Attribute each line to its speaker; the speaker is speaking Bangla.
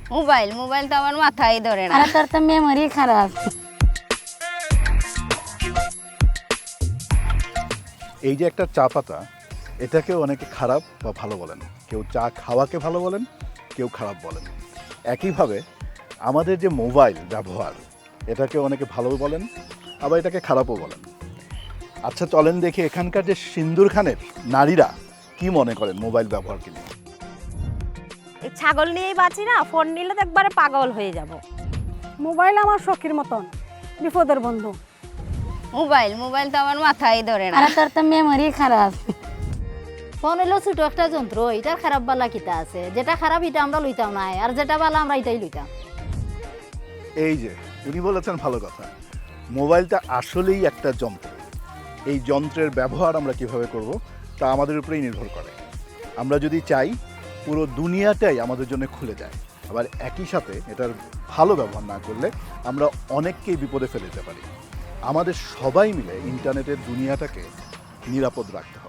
Speaker 1: মোবাইল মোবাইল তো আমার মাথায় ধরে না।
Speaker 2: আর তোর তো মেমোরি খারাপ।
Speaker 3: এই যে একটা চা পাতা, এটাকেও অনেকে খারাপ বা ভালো বলেন। কেউ চা খাওয়াকে ভালো বলেন, কেউ খারাপ বলেন। একইভাবে আমাদের যে মোবাইল ব্যবহার, এটাকে অনেকে ভালো বলেন, আবার এটাকে খারাপও বলেন। আচ্ছা চলেন দেখি এখানকার যে সিন্দুর খানের নারীরা কি মনে করেন মোবাইল ব্যবহারকে নিয়ে।
Speaker 4: এই ছাগল নিয়েই বাঁচি না, ফোন নিলে তো একবারে পাগল হয়ে যাব।
Speaker 5: মোবাইল আমার সখীর মতন, বিপদের বন্ধু।
Speaker 1: মোবাইল মোবাইল তো আমার মাথায় ধরে না।
Speaker 2: আর তোর তো মেমোরি খারাপ।
Speaker 6: ফোন হলো ছোট একটা যন্ত্র, এটার খারাপ বালা কিতা আছে? যেটা খারাপ এটা আমরা লইতাম না, আর যেটা বালা আমরা এটাই লইতাম।
Speaker 3: এই যে উনি বলেছেন ভালো কথা, মোবাইলটা আসলেই একটা যন্ত্র। এই যন্ত্রের ব্যবহার আমরা কিভাবে করব তা আমাদের উপরেই নির্ভর করে। আমরা যদি চাই পুরো দুনিয়াটাই আমাদের জন্য খুলে যায়, আবার একই সাথে এটার ভালো ব্যবহার না করলে আমরা অনেককেই বিপদে ফেলে দিতে পারি। আমাদের সবাই মিলে ইন্টারনেটের দুনিয়াটাকে নিরাপদ রাখতে হবে।